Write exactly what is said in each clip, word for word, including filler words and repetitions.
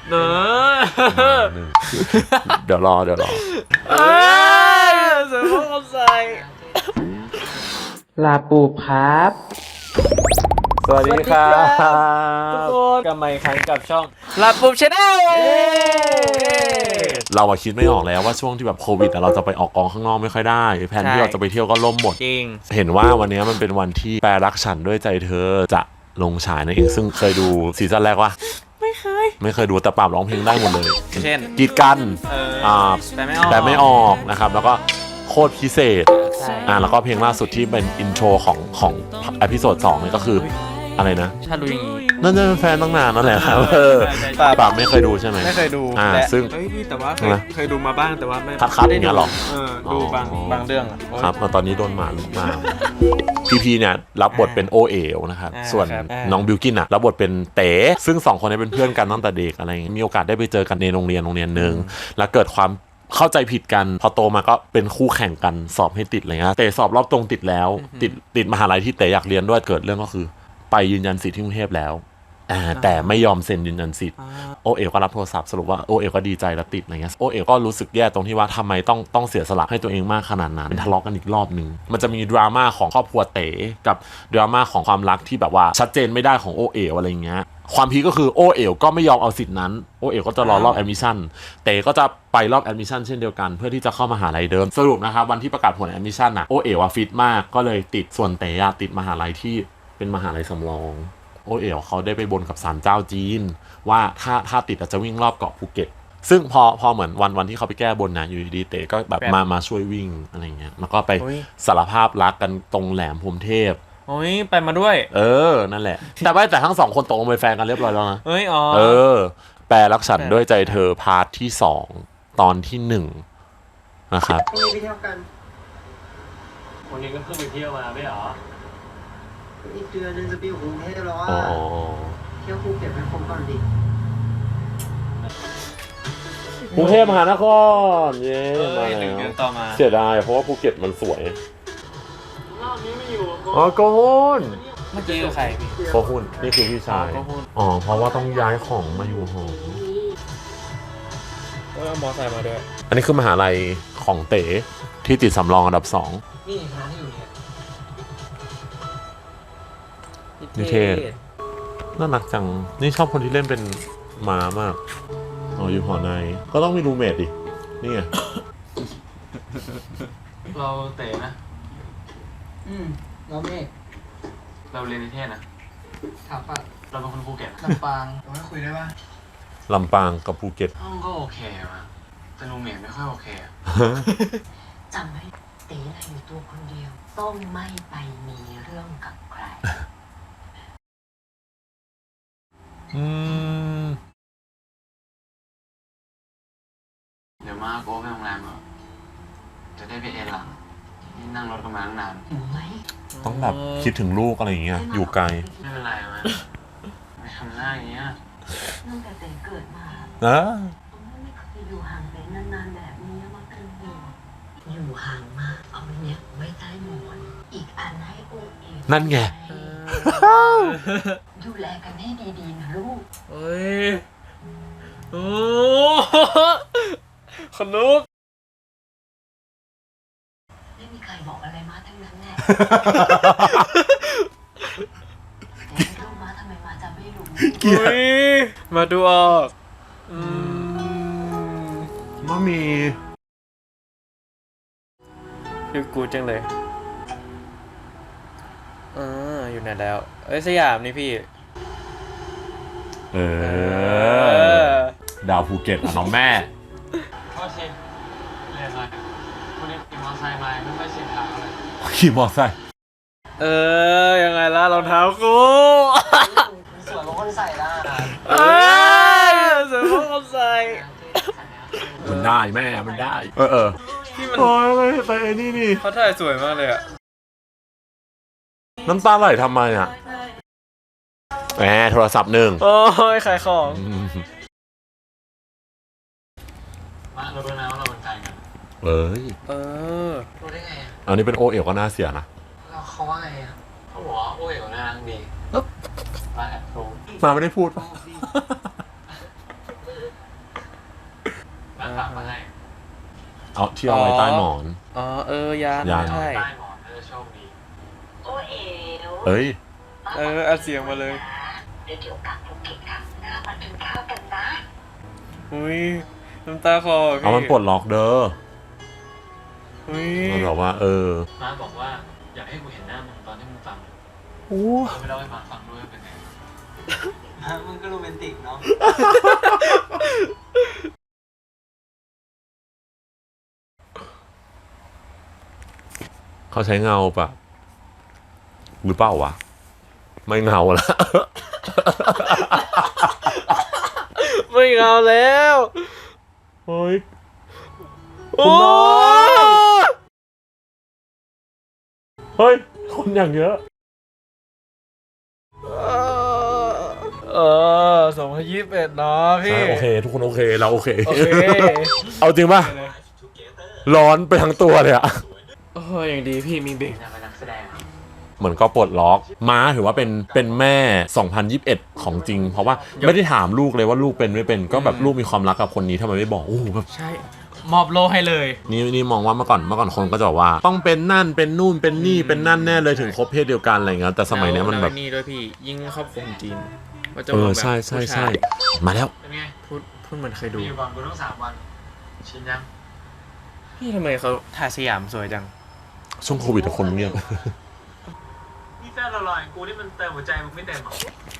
เนอะเดี๋ยวรอเดี๋ยวรอเอ้ยเสือพ่อใส่ลาปูครับสวัสดีครับทุกคนกลับมาอีกครั้งกับช่องลาปูชาแนลเราอะคิดไม่ออกแล้วว่าช่วงที่แบบโควิดเราจะไปออกกองข้างนอกไม่ค่อยได้แผนที่เราจะไปเที่ยวก็ล่มหมดจริงเห็นว่าวันนี้มันเป็นวันที่แปรรักฉันด้วยใจเธอจะลงฉายนั่นเองซึ่งเคยดูซีซั่นแรกวะไม่เคยไม่เคยดูแต่ปราบร้องเพลงได้หมดเลยเช่นกีดกันอ่าแต่ไม่ออกแต่ไม่ออกนะครับแล้วก็โคตรพิเศษอ่าแล้วก็เพลงล่าสุดที่เป็นอินโทรของของเอพิโซดสองนี่ก็คืออะไรนะถ้ารู้อย่างนี้นั่นจะเป็นแฟนตั้งนานนั่นแหละครับเออปราบไม่เคยดูใช่ไหมไม่เคยดูอ่าซึ่งเฮ้ยพี่แต่ว่าเคยดูมาบ้างแต่ว่าไม่คัดๆอย่างเงี้ยหรอเออดูบางบางเรื่องครับตอนนี้โดนหมาลุกมาพีพีเนี่ยรับบทเป็นโอเอ๋วนะครับส่วนน้องบิวกินอ่ะรับบทเป็นเต๋ซึ่งสองคนนี้เป็นเพื่อนกันตั้งแต่เด็กอะไรเงี้ยมีโอกาสได้ไปเจอกันในโรงเรียนโรงเรียนนึงแล้วเกิดความเข้าใจผิดกันพอโตมาก็เป็นคู่แข่งกันสอบให้ติดอะไรเงี้ยเต๋สอบรอบตรงติดแล้วติดติดมหาลัยที่เต๋อยากเรียนด้วยเกิดเรื่องก็คือไปยืนยันสิทธิ์ที่กรุงเทพแล้วแต่ไม่ยอมเซ็นยืนยันสิทธิ์โอเอ๋วก็รับโทรศัพท์สรุปว่าโอเอ๋วก็ดีใจแล้วติดอะไรเงี้ยโอเอ๋วก็รู้สึกแย่ตรงที่ว่าทำไมต้องต้องเสียสละให้ตัวเองมากขนาดนั้นทะเลาะกันอีกรอบนึงมันจะมีดราม่าของครอบครัวเต๋กับดราม่าของความรักที่แบบว่าชัดเจนไม่ได้ของโอเอ๋วอะไรเงี้ยความพีก็คือโอเอ๋วก็ไม่ยอมเอาสิทธินั้นโอเอ๋วก็จะรอรอบแอดมิชชั่นเต๋ก็จะไปรอบแอดมิชชั่นเช่นเดียวกันเพื่อที่จะเข้ามหาลัยเดิมสรุปนะครับวันที่ประกาศผลแอดมิชชั่นน่ะโอเอ๋วฟิตมากก็เลยติดส่วนเต๋ติดมหาลัยที่เป็นมหาลัยสำรองโอเอ๋วเขาได้ไปบนกับศาลเจ้าจีนว่าถ้าถ้าติดอาจจะวิ่งรอบเกาะภูเก็ตซึ่งพอพอเหมือนวันวันที่เขาไปแก้บนนะอยู่ดีๆเต๋ก็แบบมามาช่วยวิ่งอะไรเงี้ยแล้วก็ไปสารภาพรักกันตรงแหลมพรหมเทพโอ้ยไปมาด้วยเออนั่นแหละแต่ว่าแต่ทั้งสองคนตกลงเป็นแฟนกันเรียบร้อยแล้วนะเอ้ยอ๋อเออแปรรักฉันด้วยใจเธอพาร์ทที่สองตอนที่หนึ่งนะครับพรุ่งนี้ไปเที่ยวกันวันนี้ก็เพิ่งไปเที่ยวมาไม่หรออีกเดือนนึงจะไปอยู่กรุงเทพแล้วว่าเที่ยวภูเก็ตไปครบก่อนดิกรุงเทพมหานครเย้มาแล้วเสียดายเพราะว่าภูเก็ตมันสวยรอบนี้ไม่อยู่อ๋อโกฮุนเมื่อกี้คือใครพี่โกฮุนนี่คือพี่ชายอ๋อเพราะว่าต้องย้ายของมาอยู่หอก็เอามอไซค์มาด้วยอันนี้คือมหาลัยของเต๋ที่ติดสำรองอันดับสองนี่คณะที่อยู่เนี่ยนิเทศน่ารักจังนี่ชอบคนที่เล่นเป็นม้ามากอ๋ออยู่หอในก็ต้องมีรูเมทดินี่ไงเราเต๋นะอืมเราเมฆเราเรียนนิเทศนะถามป่ะเราเป็นคนภูเก็ตลำปางเราไม่คุยได้ป่ะลำปางกับภูเก็ตห้องก็โอเคมาแต่รูเมทไม่ค่อยโอเคจำไว้เต๋น่ะอยู่ตัวคนเดียวต้องไม่ไปมีเรื่องกับใครอืมเดี๋ยวมาโก้ไปโรงแรมเหรอจะได้ไปเอนหลังนี่นั่งรถกันมาตั้งนานอยู่ไหมต้องแบบคิดถึงลูกอะไรอย่างเงี้ยอยู่ไกลไม่เป็นไรมั้ยไม่ทำหน้าอย่างเงี้ยตั้งแต่เต๋เกิดมานะไม่เคยอยู่ห่างเต๋นานๆแบบนี้มาเป็นห่วงอยู่ห่างมากเอาเนี้ยไว้ใต้หมอนอีกอันให้โอเอ๋นั่นไงดูแลกันให้ดีๆนะลูกเฮ้ยโอ้ขนุกไม่มีใครบอกอะไรมาทั้งนั้นแน่แต่ลูกมาทำไมมาจะไม่รู้เกียร์มาดูออกอืมมามีดูกูจังเลยอ่าอยู่ไหนแล้วเอ้ยสยามนี่พี่เออดาวภูเก็ตน้องแม่โทษทีเรียนอะไรวันนี้ขี่มอไซค์มาไม่ค่อยชินทางเลยขี่มอไซค์เออยังไงล่ะรองเท้ากูสวยกว่าคนใส่ละเอ้ยสวยกว่าคนใส่มันได้แม่มันได้เออเออที่มันโอ้ยไปไอ้นี่นี่เขาถ่ายสวยมากเลยอะน้ำตาไหลทำไมอ่ะแหมโทรศัพท์หนึ่งโอ้ยขายของมาเราดูนะว่าเราเป็นใครกันเอ้ยเออรู้ได้ไงอันนี้เป็นโอเอ๋วก็น่าเสียนะเราเขาว่าไงอ่ะเขาบอกว่าโอเอ๋วน่ารักดีมาแอบรู้มาไม่ได้พูดป่ะานฝากมาให้เอาที่เอาไว้ใต้หมอนอ๋อเออยานยานใช่ใต้หมอนน่าจะโชคดีโอเอ๋วเอ้ยเอออัดเสียงมาเลยเดี๋ยวเดี๋ยวกลับภูเก็ตครั้งหน้ามากินข้าวกันนะอุ้ยน้ำตาคลอพี่เอามันปลดล็อกเด้ออุ้ยมันบอกว่า เออม้าบอกว่าอยากให้กูเห็นหน้ามึงตอนที่มึงฟังโอ้เอาไปเล่าให้ม้าฟังด้วยเป็นไงมึงก็โรแมนติกเนาะเขาใช้เงาปะหรือเปล่าวะ ไม่เงาละไม่เอาแล้วโอ้ยโอ้เฮ้ย คนอย่างเยอะเออสองพันยี่สิบเอ็ดเนาะพี่ใช่โอเค ทุกคนโอเค เราโอเคโอเคเอาจริงป่ะ ร้อนไปทั้งตัวเลยอะโอ้ยอย่างดีพี่มีเบรกอยากเป็นนักแสดงอะเหมือนก็ปลดล็อก ม้าถือว่าเป็นเป็นแม่ สองพันยี่สิบเอ็ด ของจริง เพราะว่าไม่ได้ถามลูกเลยว่าลูกเป็นไม่เป็น ก็แบบลูกมีความรักกับคนนี้ทำไมไม่บอก โอ้โหแบบใช่ มอบโลให้เลยนี่นี่มองว่าเมื่อก่อนเมื่อก่อนคนก็จะบอกว่า ต้องเป็นนั่นเป็นนู่นเป็นนี่เป็นนั่นแน่เลยถึงคบเพศเดียวกันอะไรเงี้ยแต่สมัยเนี้ยมันแบบล้วนี่ด้วยพี่ ยิ่งครอบครัวจีนก็จะเอมอองแบบใช่ใช่ใช่ผู้ายมาแล้วเป็นไงพูดพูดเหมือนเคยดูมีอยู่ก่อนกูต้องสามวัน ชินยังพี่ทำไมเขาถ่ายสยามสวยจังช่วงโควิดทุกคนเงียบนี่แฟนเราหล่ออย่างกูนี่มันเติมหัวใจมึงไม่เต็มหรอ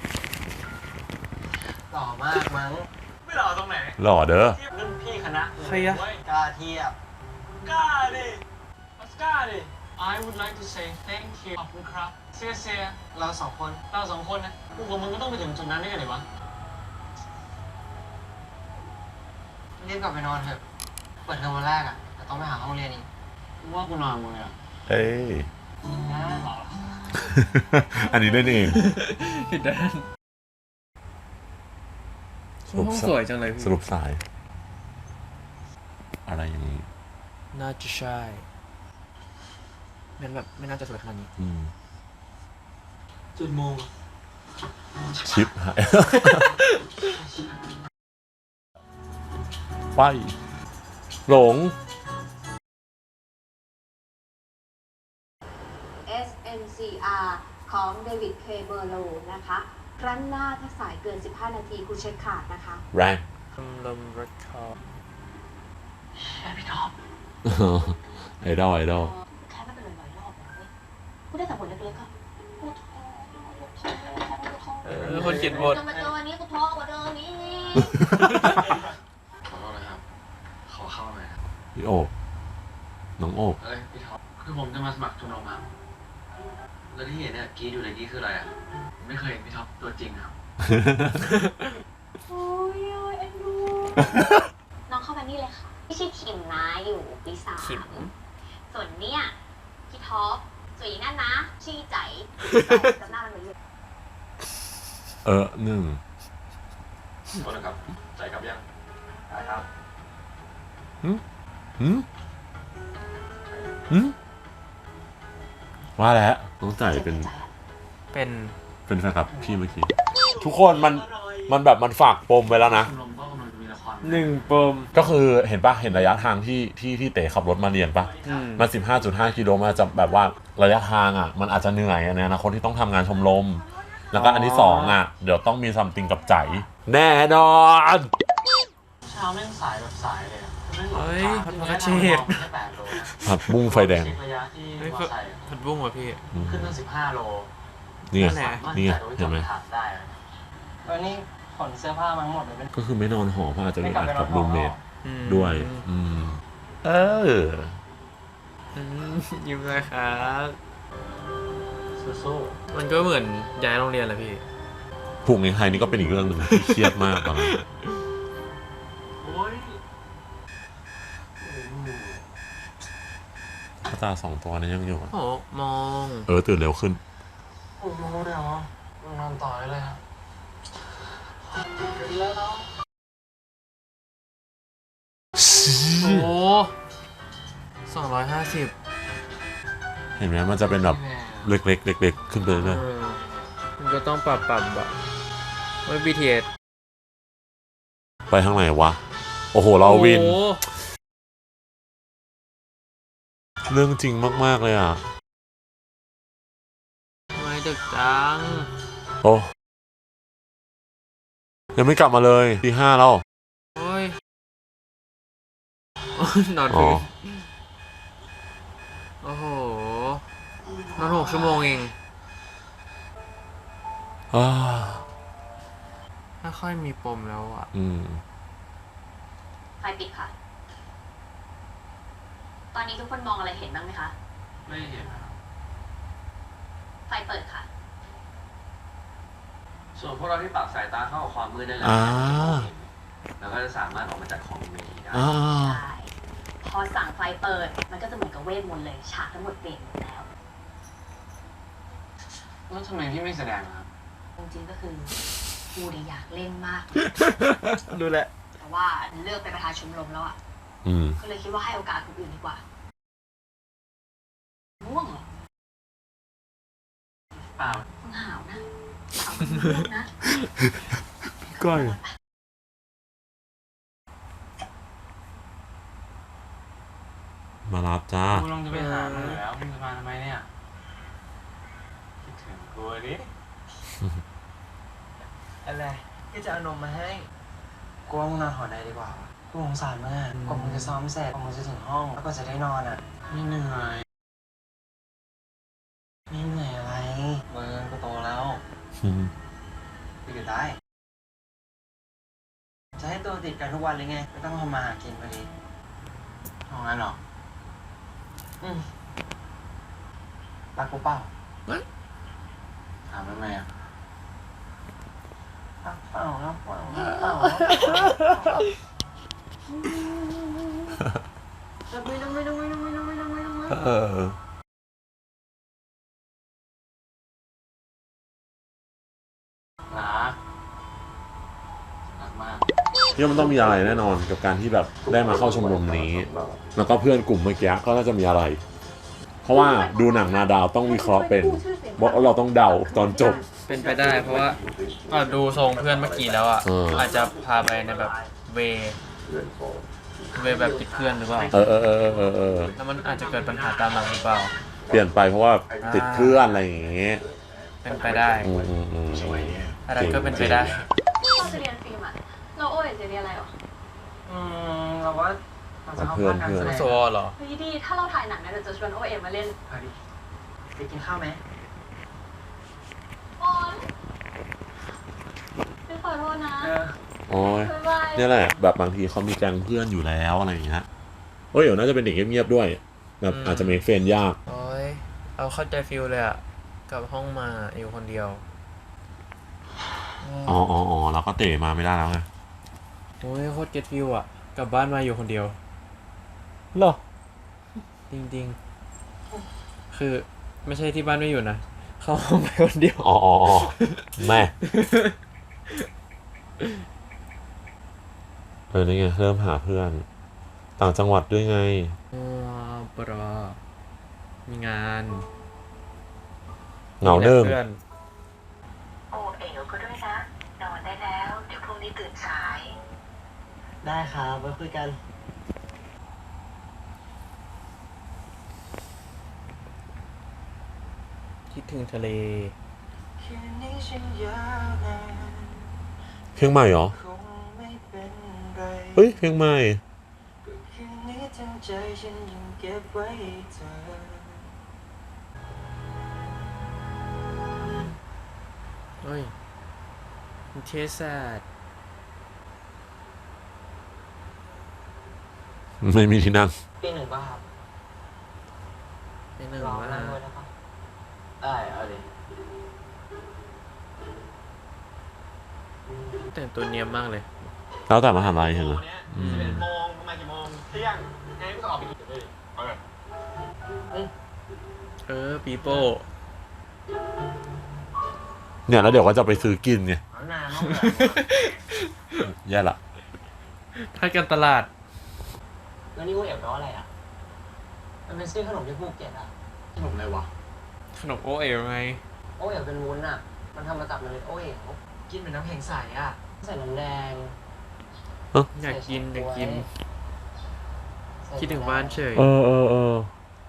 หล่อมากมั้งไม่หล่อตรงไหนหล่อเด้อเทียบรุ่นพี่คณะใครอะเว้ยกล้าเทียบกล้าดิออสการ์ดิ I would like to say thank you ขอบคุณครับเซียเซียเราสองคนเราสองคนนะกูกับมึงก็ต้องไปถึงจุดนั้นได้ไงวะรีบกลับไปนอนเถอะเปิดเทอมวันแรกอ่ะแต่ต้องไปหาห้องเรียนอีกกูว่ากูนอนมึงเลยอ่ะเอ้ยนะอันนี้เล่นเองผิดด้านสรุปห้องสวยจังเลยพี่สรุปสาย อะไรอย่างนี้น่าจะใช่เป็นแบบไม่น่าจะสวยขนาดนี้อืมจุดโมงชิปหาย ไป หลงเอส เอ็ม ซี อาร์ ของเดวิด เค เบอร์โลนะคะ ครั้งหน้าถ้าสายเกิน สิบห้า นาทีคุณเช็คขาดนะคะแรงลมรถคอแค่พี่ท็อปไอดอลไอดอลแค่ไม่เป็นร้อยๆรอบนะเว้ยพูดได้แต่บทเล็กๆก็พูดท้อพูดท้อพูดท้อเออคนเขียนบทจะมาเจอวันนี้กูท้อกว่าเดิมนี้ขอโทษนะครับ ขอเข้าหน่อยครับพี่โอบน้องโอบเอ้ยพี่ท็อป คือผมจะมาสมัครทุนออกมาแล้วที่เห็นเนี่ยกรีดอยู่ในกรีดคืออะไรอ่ะ ไม่เคยเห็นพี่ท็อปตัวจริงครับโอ้ยเอ็นดู น้องเข้ามานี่เลยค่ะพี่ชื่อคิมนะอยู่ปีสามคิมส่วนเนี่ยพี่ท็อปส่วนอีนั่นนะชื่อใจจำหน้ามันไว้เลยเออหนึ่งโทษนะครับใจกลับยังได้ครับหืมหืมหืมว่าแล้วน้องจ่ายเป็นเป็นเป็นแฟนคลับพี่เมื่อกี้ ทุกคนมันมันแบบมันฝากปมไว้แล้วนะชมรมก็กำลังจะมีละครหนึ่งปมก็คือเห็นปะเห็นระยะทางที่ที่ที่เต๋ขับรถมาเรียนปะอืมมัน สิบห้าจุดห้า กิโลมันอาจจะแบบว่าระยะทางอ่ะ มันอาจจะเหนื่อยในอนาคตที่ต้องทำงานชมรม แล้วก็อันที่สองอ่ะ เดี๋ยวต้องมีซัมติงกับใจ แน่นอนเช้าแม่งสายแบบสายเลยอะแม่งหลงเฮ้ยทางพัดที่พัแม่ดงเชทางษแค่แปดโลนะผัดบุ้งไฟแดงเช็คระยะที่เฮ้ยมอพัดไซค์อะพัดบุ้งว่ะพี่ขึ้นตั้งสิบห้าโลนี่ไงนั่นแหละนี่ไงมั่ใจเห็นไหมว่าจะถามได้อะวันนี้ขนเสื้อผ้ามาทั้งหมดเลยเป็นก็คือไม่นอนหอเพราะอาจจะไม่มีกลับอัดไปนอกัน บหอรูมเมทอืมด้วย อืม เอออืมยิ้มเลยครับสู้มันก็เหมือนย้ายโรงเรียนแหละพี่ผูกในไทยนี่ก็เป็นอีกเรื่องหนึ่งที่เครียดมากตอนนั้นๆโอ้ยพระตาสองตัวนั้นยังอยู่อะโอ้มองเออตื่นเร็วขึ้นโอ้โหเดี๋ยวมึงนอนต่อได้เลยครับแล้วโอ้สองร้อยห้าสิบเห็นไหมมันจะเป็นแบบเล็กๆเล็กๆขึ้นไปเรื่อยมันก็ต้องปรับปรับอะไม่ บี ที เอสๆไปทางไหนวะ โอโอ้โหเราวินโอ้โหเรื่องจริงมากๆเลยอ่ะทำไมดึกจังโอ้ยังไม่กลับมาเลยตีห้าแล้วโอ้ยโอ้ยนอนอ๋อพื้นโอ้โห นอนหกชั่วโมงเองอ่าถ้าค่อยมีปมแล้วอ่ะอืมไฟปิดค่ะ ตอนนี้ทุกคนมองอะไรเห็นบ้างไหมคะไม่เห็นนะครับไฟเปิดค่ะส่วนพวกเราที่ปรับสายตาเข้ากับความมืดได้แล้วอ่าแล้วก็จะสามารถออกมาจากของมีได้อ่าใช่ พอสั่งไฟเปิด มันก็จะเหมือนกับเวทมนต์เลย ฉากทั้งหมดเปลี่ยนหมดแล้วแล้วทำไมพี่ไม่แสดงอะครับจริงๆก็คือกูเนี่ยอยากเล่นมากดูแหละแต่ว่าเลือกเป็นประธานชมรมแล้วอ่ะอืมก็เลยคิดว่าให้โอกาสคนอื่นดีกว่าง่วงเหรอเปล่ามึงหาวนะหาวเป็นง่วงนะก้อย มารับจ้ากูลองจะไปหามึงอยู่แล้วมึงจะมาทำไมเนี่ย คิดถึงกูดิอะไรก็จะเอานมมาให้กูว่ามึงนอนหอในดีกว่า กูสงสารมึงอ่ะกว่ามึงจะซ้อมเสร็จกว่ามึงจะถึงห้อง แล้วก็จะได้นอนอ่ะ ไม่เหนื่อยไม่เหนื่อยอะไรมึงก็โตแล้วกูอยู่ได้ จะให้ตัวติดกันทุกวันเลยไง ไม่ต้องทำมาหากินพอดีเอางั้นเหรอ อืมรักกูเปล่าถามทำไมอ่ะรักเปล่ารักเปล่ารักเปล่ารักเปล่าจะไม่ต้องไม่ต้องไม่ต้องไม่ต้องไม่ต้องไม่ต้องไม่ต้องเออรักรักมากเนี่ยมันต้องมีอะไรแน่นอนกับการที่แบบได้มาเข้าชมรมนี้ แล้วก็เพื่อนกลุ่มเมื่อกี้ก็น่าจะมีอะไร เพราะว่าดูหนังนาดาวต้องวิเคราะห์เป็นบอกว่าเราต้องเดาตอนจบเป็นไปได้เพราะว่าอ่ะดูทรงเพื่อนเมื่อกี้แล้วอ่ะเอออาจจะพาไปในแบบเว เวแบบติดเพื่อนหรือเปล่าเออเออเออเออเออแล้วมันอาจจะเกิดปัญหาตามมาหรือเปล่าเปลี่ยนไปเพราะว่าติดเพื่อนอะไรอย่างเงี้ยเป็นไปได้อืมอืมอืมอะไรก็เป็นไปได้เราจะเรียนฟิล์มอ่ะ เราโอ้ยจะเรียนอะไรหรออืมเราว่าเราจะเข้าภาคการแสดงโซเหรอเฮ้ยดี ถ้าเราถ่ายหนังนะเดี๋ยวจะชวนโอเอ็มมาเล่นไปดิไปกินข้าวไหมโอ๊ยไม่ขอโทษนะเออโอ้ยบ๊ายบายเนี่ยแหละแบบบางทีเขามีแก๊งเพื่อนอยู่แล้วอะไรอย่างเงี้ยโอ้ยเดี๋ยวน่าจะเป็นเด็กเงียบๆด้วยแบบอืมอาจจะเมคเฟรนยากโอ้ยเอาเข้าใจฟิลเลยอ่ะกลับห้องมาอยู่คนเดียวอ๋ออ๋ออ๋อเราก็เตะมาไม่ได้แล้วไงโอ้ยโคตรเก็ตฟิลอ่ะ กลับบ้านมาอยู่คนเดียวเหรอจริงๆ คือไม่ใช่ที่บ้านไม่อยู่นะ เข้าห้องไปคนเดียวอ๋ออ๋ออ๋อแม่เออนี่ไงเริ่มหาเพื่อน ต่างจังหวัดด้วยไงอ๋อปรอมีงานเหงาเนิ่งมีแต่พื่อนโอ้เอ๋วก็ด้วยนะ นอนได้แล้ว เดี๋ยวพรุ่งนี้ตื่นสายได้ครับไว้คุยกันคิดถึงทะเลคืนนี้ฉันยาวนานเพลงใหม่เหรอคงไม่เป็นไรเฮ้ยเพลงใหม่คืนนี้ทั้งใจฉันยังเก็บไว้ให้เธอเฮ้ยมันเทสแซดไม่มีที่นั่งปีหนึ่งป่ะครับไม่หนึ่งลองว่านั่งด้วยได้ปะได้เอาดิแต่งตัวเนียมมากเลยแล้วแต่มหาลัยเหรออืมสิบเอ็ดโมงประมาณกี่โมงเที่ยงไงก็ต้องออกไปกินเลยเอาเลยเออ ปีโป้เนี่ยแล้วเดี๋ยวก็จะไปซื้อกินไงเอานานมากเลยแย่ละถ้ากันตลาดแล้วนี่กูเอ๋วแปลว่าอะไรอ่ะ มันเป็นชื่อขนมที่ภูเก็ตอ่ะ ขนมอะไรวะขนมโอเอ๋วไงโอเอ๋วเป็นวุ้นอ่ะ มันทำมาจากเมล็ดโอเอ๋วกินเป็นน้ำแข็งใสอ่ะ ใส่น้ำแดงอยากกินอยากกิน คิดถึงบ้านเฉยเออเออเออ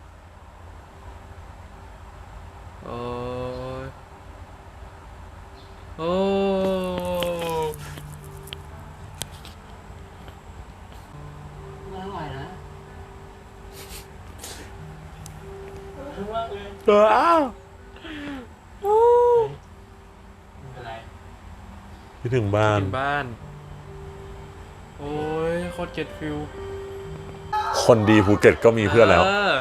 โอ้ยโอ้อร่อยนะเอออ้าวไม่เป็นไรคิดถึงบ้านถึงบ้าน โอ้ยโคตรเก็ตฟิลคนดีภูเก็ตก็มีเพื่อนแล้วเออ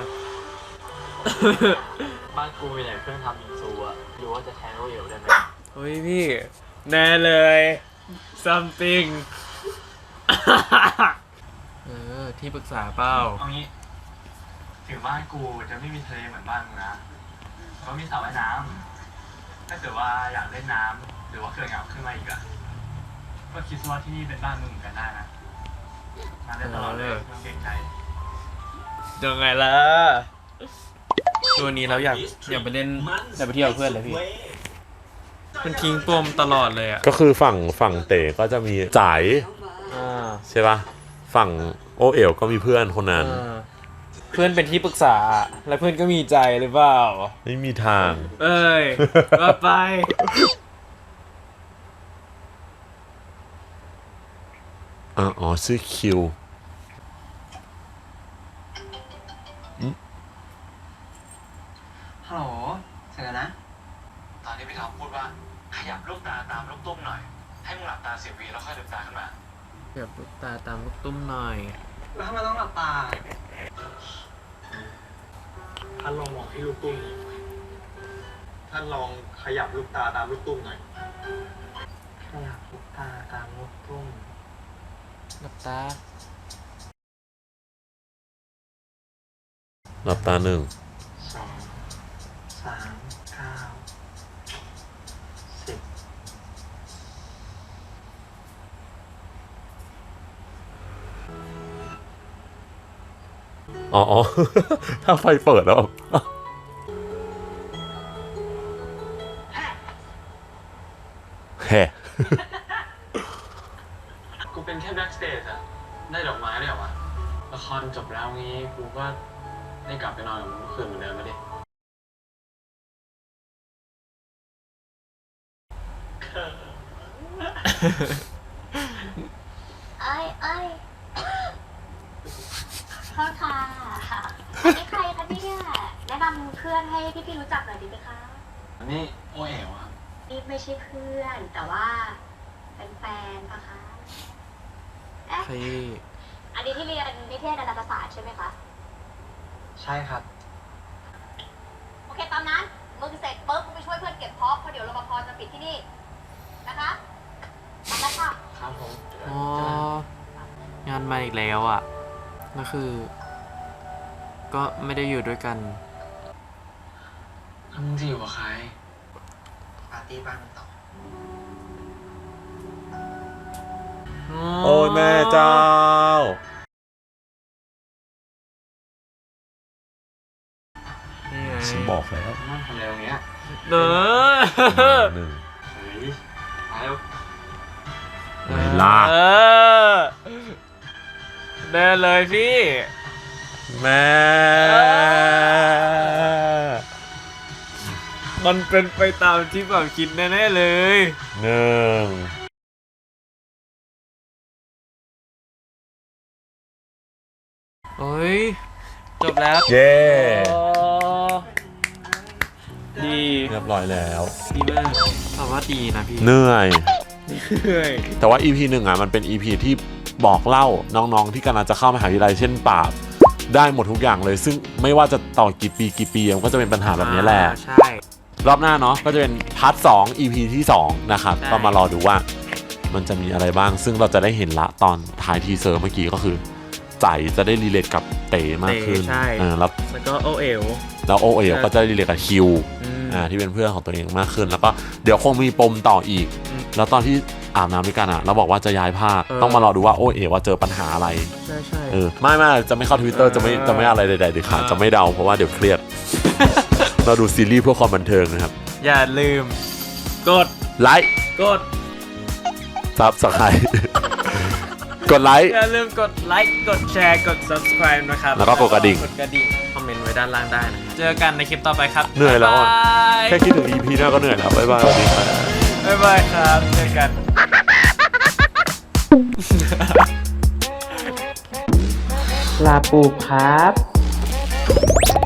บ้านกูมีไหนเครื่องทำบิงซูอะรู้ว่าจะแทนโอเอ๋วได้ไหมเฮ้ยพี่ แน่เลย something เออ ที่ปรึกษาเปล่าเอางี้ถึงบ้านกูจะไม่มีทะเลเหมือนบ้านมึงนะก็มีสระว่ายน้ำถ้าเกิดว่าอยากเล่นน้ำหรือว่าเกิดเหงาขึ้นมาอีกอะก็คิดว่าที่นี่เป็นบ้านมึงเหมือนกันได้นะมาเล่นตลอดเลยไม่ต้องเกรงใจยังไงล่ะ ตัวนี้เราอยากอยากไปเล่นอยากไปเที่ยวกับเพื่อนเลยพี่ มันทิ้งปมตลอดเลยอ่ะก็คือฝั่งฝั่งเต๋ก็จะมีจ่ายอ่าใช่ปะฝั่งโอเอ๋วก็มีเพื่อนคนนั้นอ่าเพื่อนเป็นที่ปรึกษา แล้วเพื่อนก็มีใจหรือเปล่าไม่มีทางเอ้ยว่าไปอ๋ออ๋อชื่อคิวฮัลโหลเสร็จแล้วนะตอนที่พี่ท็อปพูดว่าขยับลูกตาตามลูกตุ้มหน่อย ให้มึงหลับตาสิบวิแล้วค่อยลืมตาขึ้นมาเกือบลูกตาตามลูกตุ้มหน่อยแล้วทำไมต้องหลับตาท่านลองมองที่ลูกตุ้มนี้ท่านลองขยับลูกตาตามลูกตุ้มหน่อยขยับลูกตาตามลูกตุ้มหลับตาหลับตาหนึ่งสองสามเก้าสิบอ๋ออ๋อ ถ้าไฟเปิดแล้วแฮ่กูเป็นแค่แบ็กสเตจอะได้ดอกไม้ได้เหรอวะละครจบแล้วงี้กูก็ได้กลับไปนอนกับมึงเมื่อคืนเหมือนเดิมมาดิเอ้ยเอ้ยโทษค่ะอันนี้ใครคะเนี่ยแนะนำเพื่อนให้พี่ๆรู้จักหน่อยดีไหมคะนี่โอเอ๋วครับนี่ไม่ใช่เพื่อนแต่ว่าเป็นแฟนปะคะเอ๊ะใครอันนี้ที่เรียนนิเทศดาราศาสตร์ใช่ไหมคะใช่ครับโอเคตามนั้นมึงเสร็จปุ๊บมึงไปช่วยเพื่อนเก็บพร็อพเพราะเดี๋ยวรปภจะปิดที่นี่นะคะตามนั้นค่ะครับผมอ๋อ งานมาอีกแล้วอ่ะก็คือ ก็ไม่ได้อยู่ด้วยกันมึงจะอยู่กับใครปาร์ตี้บ้านมันต่อโอ้แม่เจ้านี่ไงฉันบอกแล้วนั่งทำอะไรตรงเนี้ยเด้อหนึ่งเฮ้ยมาแล้วไหนล่ะเออแน่เลยพี่แม่มันเป็นไปตามที่แบบคิดแน่ๆเลยหนึ่งโอ้ย จบแล้วเย้โอ้ดีเรียบร้อยแล้วดีมากแต่ว่าดีนะพี่เหนื่อยเหนื่อยแต่ว่า อี พี หนึ่งอ่ะมันเป็น อี พี ที่บอกเล่าน้องๆที่กำลังจะเข้ามหาวิทยาลัยเช่นปราบได้หมดทุกอย่างเลย ซึ่งไม่ว่าจะต่อกี่ปีกี่ปีมันก็จะเป็นปัญหาแบบนี้แหละอ่าใช่รอบหน้าเนาะก็จะเป็นพาร์ทสอง อี พี ที่สองนะครับใช่ก็มารอดูว่ามันจะมีอะไรบ้าง ซึ่งเราจะได้เห็นละตอนท้ายทีเซอร์เมื่อกี้ก็คือใจจะได้รีเลทกับเต๋มากขึ้นเต๋ใช่เออแล้วแล้วก็โอเอ๋วแล้วโอเอ๋ก็จะรีเลทกับคิวอืมอ่าที่เป็นเพื่อนของตัวเองมากขึ้น แล้วก็เดี๋ยวคงมีปมต่ออีกอืมแล้วตอนที่อาบน้ำด้วยกันอ่ะเราบอกว่าจะย้ายภาคเออต้องมารอดูว่าโอเอ๋ว่าเจอปัญหาอะไรใช่ใช่เออไม่ไม่จะไม่เข้าทวิตเตอร์เออจะไม่จะไม่อะไรใดๆเด็ดขาดเออจะไม่เดาเพราะว่าเดี๋ยวเครียด เราดูซีรีส์เพื่อความบันเทิงนะครับอย่าลืม กดไลค์กดซับสไครต์กดไลค์อย่าลืมกดไลค์กดแชร์กด subscribe นะครับแล้วก็กดกระดิ่งกดกระดิ่งคอมเมนต์ไว้ด้านล่างได้นะเจอกันในคลิปต่อไปครับเหนื่อยแล้วอะบ๊ายบายแค่คิดถึง อี พี หน้าก็เหนื่อยแล้วบ๊ายบายสวัสดีครับบ๊ายบายครับเจอกันลาปูครับ